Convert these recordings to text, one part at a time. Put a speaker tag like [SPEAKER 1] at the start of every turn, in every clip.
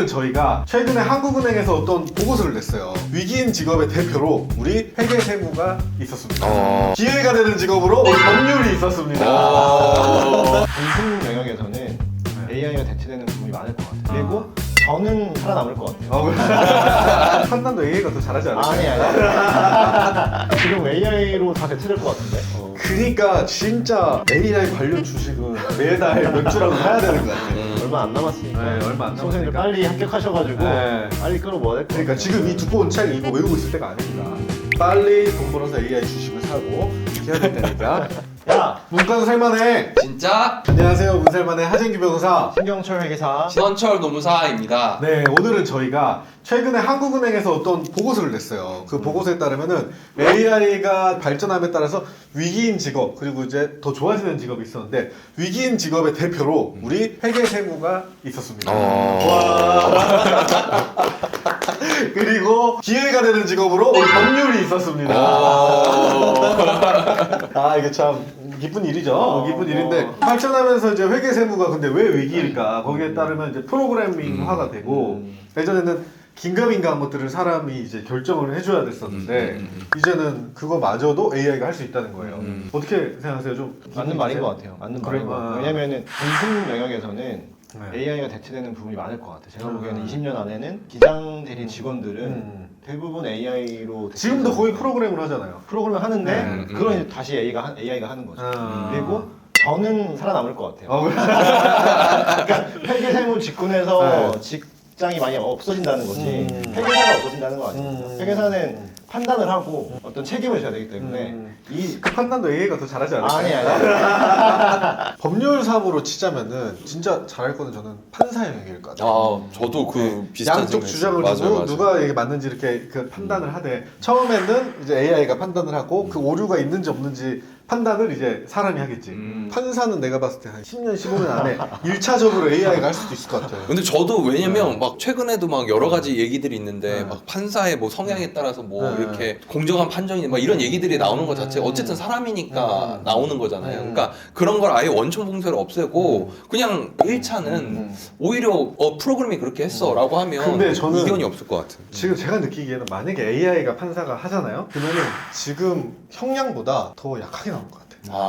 [SPEAKER 1] 오늘은 저희가 최근에 한국은행에서 어떤 보고서를 냈어요. 위기인 직업의 대표로 우리 회계세무가 있었습니다. 기회가 되는 직업으로 우리 법률이 있었습니다.
[SPEAKER 2] 무슨 영역에서는 AI가 대체되는 부분이 많을 것 같아요. 그리고 저는 살아남을 것 같아요.
[SPEAKER 1] 판단도 AI가 더 잘하지 않을까?
[SPEAKER 2] 아니. 지금 AI로 다 대체될 것 같은데.
[SPEAKER 1] 그러니까 진짜 AI 관련 주식은 매달 몇 주라도 사야 되는 것 같아요.
[SPEAKER 2] 얼마 안 남았으니까.
[SPEAKER 1] 네, 얼마 안
[SPEAKER 2] 선생님들
[SPEAKER 1] 남았으니까.
[SPEAKER 2] 빨리 합격하셔가지고
[SPEAKER 1] 네.
[SPEAKER 2] 빨리 끌어모아야 될 것 같아요.
[SPEAKER 1] 그러니까 지금 이 두꺼운 책 이거 외우고 있을 때가 아닙니다. 빨리 돈 벌어서 AI 주식을 사고 이렇게 해야 될 때니까.
[SPEAKER 2] 야!
[SPEAKER 1] 문과도 살만해.
[SPEAKER 3] 진짜
[SPEAKER 1] 안녕하세요, 문살만의 하진규 변호사.
[SPEAKER 2] 신경철 회계사.
[SPEAKER 3] 신원철 노무사입니다.
[SPEAKER 1] 네, 오늘은 저희가 최근에 한국은행에서 어떤 보고서를 냈어요. 그 보고서에 따르면은 AI가 발전함에 따라서 위기인 직업 그리고 이제 더 좋아지는 직업이 있었는데 위기인 직업의 대표로 우리 회계세무가 있었습니다. 와. 그리고 기회가 되는 직업으로 우리 법률이 있었습니다. 아 이게 참 기쁜 일이죠. 기쁜 일인데 발전하면서 이제 회계세무가 근데 왜 위기일까? 거기에 따르면 이제 프로그래밍화가 되고 예전에는 긴가민가한 것들을 사람이 이제 결정을 해줘야 됐었는데 이제는 그거마저도 AI가 할 수 있다는 거예요. 어떻게 생각하세요? 좀
[SPEAKER 2] 맞는 말인 것 같아요. 맞는 말인 것 같아요. 왜냐면은 무슨 영역에서는 AI가 대체되는 부분이 많을 것 같아요. 제가 보기에는 20년 안에는 기장 대리 직원들은 대부분 AI로
[SPEAKER 1] 지금도 거의 프로그램을 하잖아요.
[SPEAKER 2] 프로그램을 하는데 그건 이제 다시 AI가 하는 거죠. 그리고 저는 살아남을 것 같아요. 그러니까 회계세무 직군에서 직장이 많이 없어진다는 거지 회계사가 없어진다는 거 아니에요. 회계사는 판단을 하고 어떤 책임을 져야 되기 때문에
[SPEAKER 1] 그 판단도 AI가 더 잘하지 않을까요?
[SPEAKER 2] 아니.
[SPEAKER 1] 법률사무로 치자면은 진짜 잘할 거는 저는 판사 영역일 것 같아요.
[SPEAKER 3] 아, 저도 그 비슷한
[SPEAKER 1] 양쪽 주장을
[SPEAKER 3] 맞아요,
[SPEAKER 1] 두고
[SPEAKER 3] 맞아요.
[SPEAKER 1] 누가 이게 맞는지 이렇게 그 판단을 하되 처음에는 이제 AI가 판단을 하고 그 오류가 있는지 없는지 판단을 이제 사람이 하겠지. 판사는 내가 봤을 때 한 10년, 15년 안에 1차적으로 AI가 할 수도 있을 것 같아요.
[SPEAKER 3] 근데 저도 왜냐면 막 최근에도 막 여러 가지 얘기들이 있는데 막 판사의 뭐 성향에 따라서 뭐 이렇게 공정한 판정이 막 이런 얘기들이 나오는 것 자체가 어쨌든 사람이니까 나오는 거잖아요. 그러니까 그런 걸 아예 원천 봉쇄를 없애고 그냥 1차는 오히려 프로그램이 그렇게 했어라고 하면
[SPEAKER 1] 근데 저는
[SPEAKER 3] 이견이 없을 것 같아요.
[SPEAKER 1] 지금 제가 느끼기에는 만약에 AI가 판사가 하잖아요? 그러면은 지금 형량보다 더 약하게 나올 것 같아요.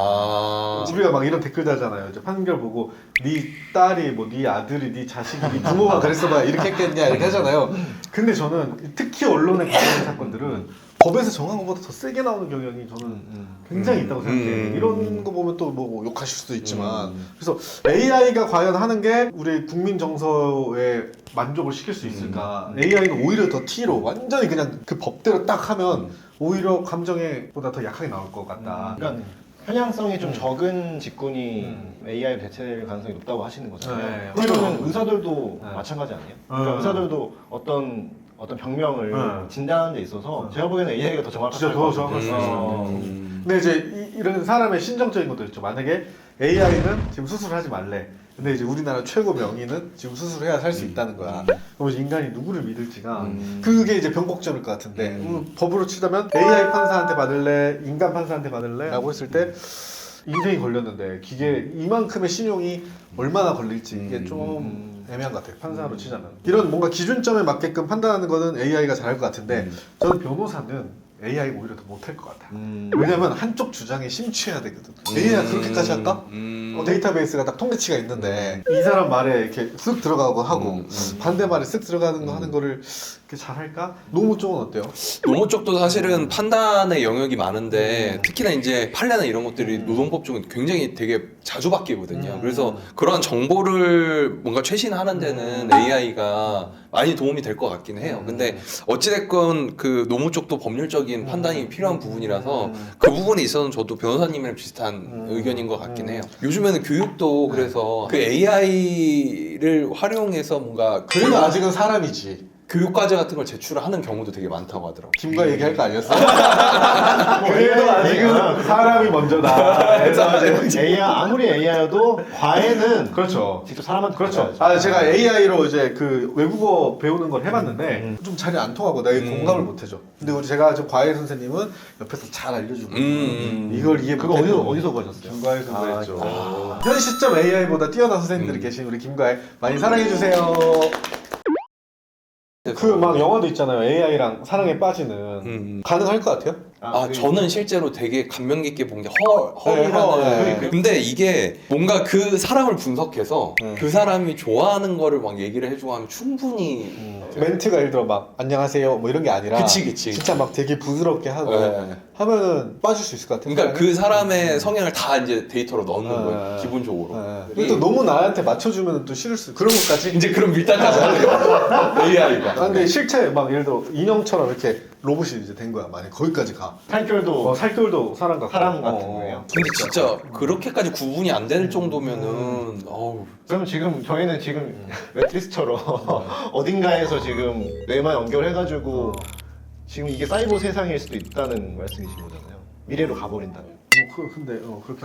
[SPEAKER 1] 우리가 막 이런 댓글 달잖아요. 이제 판결 보고 네 딸이 뭐 네 아들이 네 자식이 네 부모가 그랬어 봐 이렇게 했겠냐 이렇게 하잖아요. 근데 저는 특히 언론에 관련된 사건들은 법에서 정한 것보다 더 세게 나오는 경향이 저는 굉장히 있다고 생각해요. 이런 거 보면 또 뭐 욕하실 수도 있지만 그래서 AI가 과연 하는 게 우리 국민 정서에 만족을 시킬 수 있을까? AI는 오히려 더 T로 완전히 그냥 그 법대로 딱 하면 오히려 감정에 보다 더 약하게 나올 것 같다.
[SPEAKER 2] 그러니까 편향성이 좀 적은 직군이 AI로 대체될 가능성이 높다고 하시는 거잖아요.
[SPEAKER 1] 네.
[SPEAKER 2] 그러면 의사들도 마찬가지 아니에요? 그러니까 의사들도 어떤 병명을 진단하는 데 있어서 제가 보기에는 AI가 더 정확할
[SPEAKER 1] 진짜
[SPEAKER 2] 것
[SPEAKER 1] 더 정확할 수
[SPEAKER 2] 같아요.
[SPEAKER 1] 있어요. 근데 이제 이런 사람의 신정적인 것도 있죠. 만약에 AI는 지금 수술을 하지 말래. 근데 이제 우리나라 최고 명의는 지금 수술해야 살 수 있다는 거야. 그럼 인간이 누구를 믿을지가 그게 이제 변곡점일 것 같은데 법으로 치자면 AI 판사한테 받을래, 인간 판사한테 받을래? 라고 했을 때 인생이 걸렸는데 기계 이만큼의 신용이 얼마나 걸릴지 이게 좀 애매한 것 같아요. 판사로 치자면 이런 뭔가 기준점에 맞게끔 판단하는 거는 AI가 잘할 것 같은데 저는 변호사는 AI가 오히려 더 못할 것 같아요. 왜냐면 한쪽 주장에 심취해야 되거든. AI가 그렇게까지 할까? 데이터베이스가 딱 통계치가 있는데 이 사람 말에 이렇게 쓱 들어가고 하고 반대 말에 쓱 들어가는 거 하는 거를 이렇게 잘할까? 노무 쪽은 어때요?
[SPEAKER 3] 노무 쪽도 사실은 판단의 영역이 많은데 특히나 이제 판례나 이런 것들이 노동법 쪽은 굉장히 되게 자주 바뀌거든요. 그래서 그런 정보를 뭔가 최신하는 데는 AI가 많이 도움이 될 것 같긴 해요. 근데 어찌됐건 그 노무 쪽도 법률적인 판단이 필요한 부분이라서 그 부분에 있어서는 저도 변호사님이랑 비슷한 의견인 것 같긴 해요. 요즘에는 교육도 그래서 그 AI를 활용해서 뭔가
[SPEAKER 1] 그래도 아직은 사람이지.
[SPEAKER 3] 교육과제 같은 걸 제출하는 경우도 되게 많다고 하더라고요.
[SPEAKER 1] 김과 얘기할 거 아니었어? 그래도 아직은 사람이 먼저다.
[SPEAKER 2] AI 아무리 AI여도 과외는
[SPEAKER 1] 그렇죠.
[SPEAKER 2] 직접 사람한테
[SPEAKER 1] 그렇죠.
[SPEAKER 2] 받아야죠.
[SPEAKER 1] 제가 AI로 이제 그 외국어 배우는 걸 해봤는데 좀 잘 안 통하고 내가 공감을 못 해줘. 근데 제가 저 과외 선생님은 옆에서 잘 알려주고 이걸 이해
[SPEAKER 2] 그거 어디서 보셨어요?
[SPEAKER 1] 김과외에서 구했죠. 현 시점 AI보다 뛰어난 선생님들이 계신 우리 김과외 많이 사랑해 주세요. 그 막 영화도 있잖아요. AI랑 사랑에 빠지는. 가능할 것 같아요?
[SPEAKER 3] 저는 실제로 되게 감명 깊게 본 게 헐이라는.
[SPEAKER 1] 네.
[SPEAKER 3] 근데 이게 뭔가 그 사람을 분석해서
[SPEAKER 1] 네.
[SPEAKER 3] 그 사람이 좋아하는 거를 막 얘기를 해주고 하면 충분히
[SPEAKER 1] 멘트가 예를 들어 막 안녕하세요 뭐 이런 게 아니라
[SPEAKER 3] 그치.
[SPEAKER 1] 진짜 막 되게 부드럽게 하고
[SPEAKER 3] 네.
[SPEAKER 1] 하면은 빠질 수 있을 것 같아요.
[SPEAKER 3] 그러니까 그 사람의 성향을 다 이제 데이터로 넣는
[SPEAKER 1] 네.
[SPEAKER 3] 거예요. 기본적으로.
[SPEAKER 1] 근데 또 너무 나한테 맞춰주면 또 싫을 수 그런 것까지.
[SPEAKER 3] 이제 그런 밀당까지 하네요. AI가.
[SPEAKER 1] 근데 실제 막 예를 들어 인형처럼 이렇게 로봇이 이제 된 거야. 만약 거기까지 가.
[SPEAKER 2] 살결도
[SPEAKER 1] 살결도 사람 같고.
[SPEAKER 2] 사람 같은 거예요.
[SPEAKER 3] 근데 진짜 그렇게까지 구분이 안 될 정도면은 어우.
[SPEAKER 2] 그럼 지금 저희는 지금 매트리스처럼 어딘가에서 지금 뇌만 연결해가지고 지금 이게 사이버 세상일 수도 있다는 말씀이신 거잖아요. 미래로 가버린다면.
[SPEAKER 1] 근데 그렇긴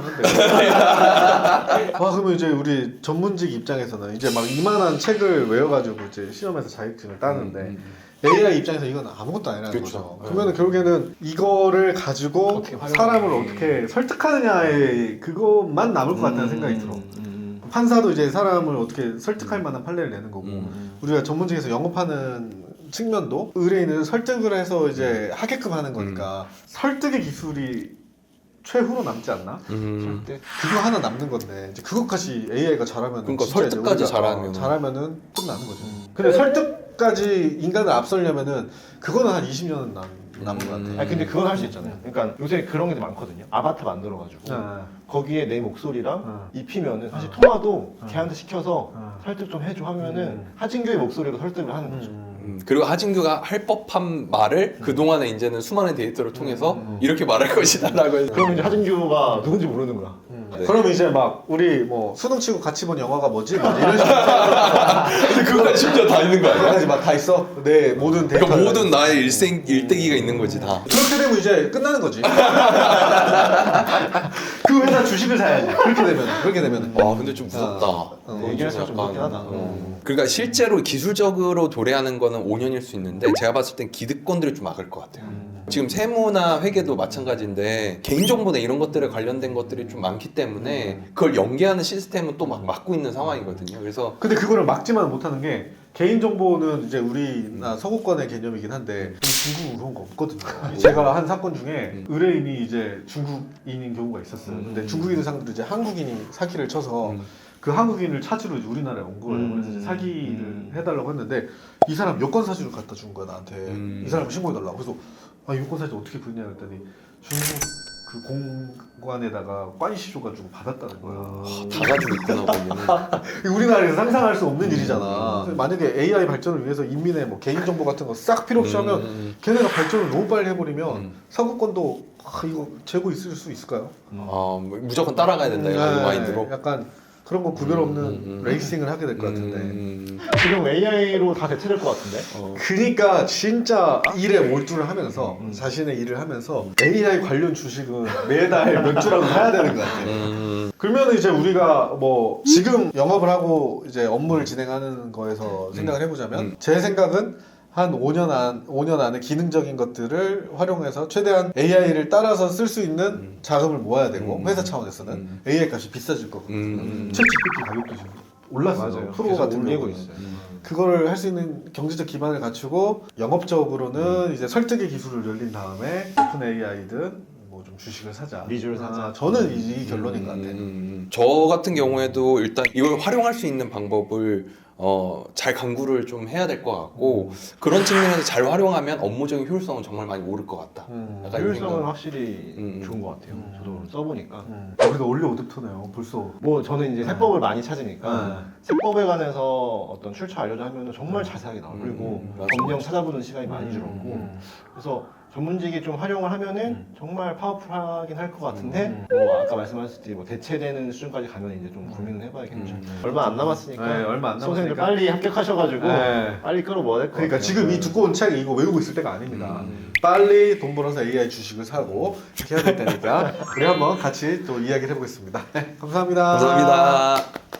[SPEAKER 1] 한데. 그러면 이제 우리 전문직 입장에서는 이제 막 이만한 책을 외워가지고 이제 시험에서 자격증을 따는데 AI 입장에서 이건 아무것도 아니라는
[SPEAKER 3] 그렇죠.
[SPEAKER 1] 거죠. 그러면 결국에는 이거를 가지고 사람을 어떻게 설득하느냐에 그것만 남을 것 같다는 생각이 들어. 판사도 이제 사람을 어떻게 설득할 만한 판례를 내는 거고 우리가 전문직에서 영업하는 측면도 의뢰인을 설득을 해서 이제 하게끔 하는 거니까 설득의 기술이 최후로 남지 않나? 그거 하나 남는 건데 이제 그것까지 AI가 잘하면
[SPEAKER 3] 그러니까 설득까지
[SPEAKER 1] 잘하면은 끝나는 거죠. 근데 설득까지 인간을 앞서려면은 그거는 한 20년은 남은 것 같아.
[SPEAKER 2] 아니 근데 그건 할 수 있잖아요. 그러니까 요새 그런 게 많거든요. 아바타 만들어가지고 거기에 내 목소리랑 입히면은 사실 통화도 걔한테 시켜서 설득 좀 해줘 하면은 하진규의 목소리로 설득을 하는 거죠.
[SPEAKER 3] 그리고 하진규가 할 법한 말을 그동안에 이제는 수많은 데이터를 통해서 이렇게 말할 것이다라고 해서
[SPEAKER 2] 그럼 이제 하진규가 누군지 모르는 거야.
[SPEAKER 3] 네.
[SPEAKER 1] 그럼 이제 막 우리 뭐 수능 치고 같이 본 영화가 뭐지? 막 이런 식으로
[SPEAKER 3] 근데 그거가 심지어 다 있는 거 아니야?
[SPEAKER 1] 가지 막 다 있어. 내 모든 데이터.
[SPEAKER 3] 그러니까 모든 나의 일대기가 있는 거지 다.
[SPEAKER 1] 그렇게 되면 이제 끝나는 거지. 그 회사 주식을 사야지. 그렇게 되면.
[SPEAKER 3] 근데 좀 무섭다.
[SPEAKER 2] 얘기할수록 좀 무섭긴 하다.
[SPEAKER 3] 그러니까 실제로 기술적으로 도래하는 거는 5년일 수 있는데 제가 봤을 땐 기득권들이 좀 막을 것 같아요. 지금 세무나 회계도 마찬가지인데 개인정보나 이런 것들에 관련된 것들이 좀 많기 때문에 그걸 연계하는 시스템은 또 막 막고 있는 상황이거든요. 그래서
[SPEAKER 1] 근데 그거를 막지만 못하는 게 개인정보는 이제 우리나 서구권의 개념이긴 한데 중국 그런 거 없거든요. 제가 한 사건 중에 의뢰인이 이제 중국인인 경우가 있었어요. 근데 중국인을 상대로 이제 한국인이 사기를 쳐서 그 한국인을 찾으러 이제 우리나라에 온 거예요. 그래서 이제 사기를 해달라고 했는데 이 사람 여권 사진을 갖다 준 거야 나한테. 이 사람 신고해달라고. 그래서 이 여권 사진 어떻게 그냐 그랬더니 중국 그 공관에다가 꽈이시 줘가지고 받았다는 거야.
[SPEAKER 3] 다 가지고 있구나 거기는.
[SPEAKER 1] 우리나라에서 상상할 수 없는 일이잖아. 만약에 AI 발전을 위해서 인민의 뭐 개인정보 같은 거 싹 필요 없이 하면 걔네가 발전을 너무 빨리 해버리면 서구권도 이거 재고 있을 수 있을까요?
[SPEAKER 3] 무조건 따라가야 된다 이런 마인드로.
[SPEAKER 1] 약간 그런 거 구별 없는 레이싱을 하게 될 것 같은데.
[SPEAKER 2] 지금 AI로 다 대체될 것 같은데?
[SPEAKER 1] 그러니까 진짜 일에 몰두를 하면서 자신의 일을 하면서 AI 관련 주식은 매달 몇 주라도 사야 되는 것 같아요. 그러면 이제 우리가 뭐 지금 영업을 하고 이제 업무를 진행하는 거에서 생각을 해보자면 제 생각은 한 5년 안에 기능적인 것들을 활용해서 최대한 AI를 따라서 쓸 수 있는 자금을 모아야 되고 회사 차원에서는 AI 값이 비싸질 거거든요. 챗 GPT 가격도 지금 올랐어요.
[SPEAKER 2] 맞아요.
[SPEAKER 1] 프로
[SPEAKER 2] 계속
[SPEAKER 1] 같은
[SPEAKER 2] 올리고
[SPEAKER 1] 경우는.
[SPEAKER 2] 있어요.
[SPEAKER 1] 그거를 할 수 있는 경제적 기반을 갖추고 영업적으로는 이제 설득의 기술을 열린 다음에 오픈 AI든 뭐 좀 주식을 사자.
[SPEAKER 2] 리주를 사자.
[SPEAKER 1] 저는 이 결론인 것 같아요.
[SPEAKER 3] 저 같은 경우에도 일단 이걸 활용할 수 있는 방법을 잘 강구를 좀 해야 될 것 같고 그런 측면에서 잘 활용하면 업무적인 효율성은 정말 많이 오를 것 같다. 약간 이런
[SPEAKER 2] 효율성은
[SPEAKER 3] 생각.
[SPEAKER 2] 확실히 좋은 것 같아요. 저도 써보니까.
[SPEAKER 1] 우리가 원래 오드터네요. 벌써.
[SPEAKER 2] 뭐 저는 이제 세법을 많이 찾으니까 세법에 관해서 어떤 출처 알려줘 하면 정말 자세하게 나와요. 그리고 법령 찾아보는 시간이 많이 줄었고 그래서 전문직이 좀 활용을 하면은 정말 파워풀하긴 할 것 같은데 뭐 아까 말씀하셨듯이 뭐 대체되는 수준까지 가면 이제 좀 고민을 해봐야겠죠. 얼마 안 남았으니까
[SPEAKER 1] 네, 얼마 안
[SPEAKER 2] 수험생들
[SPEAKER 1] 남았으니까.
[SPEAKER 2] 빨리 합격하셔가지고
[SPEAKER 1] 네.
[SPEAKER 2] 빨리 끌어모아야 될 것 같아요.
[SPEAKER 1] 그러니까 지금 이 두꺼운 책 이거 외우고 있을 때가 아닙니다. 빨리 돈 벌어서 AI 주식을 사고 이렇게 해야 될 테니까 우리 한번 같이 또 이야기를 해보겠습니다. 네, 감사합니다.
[SPEAKER 3] 감사합니다.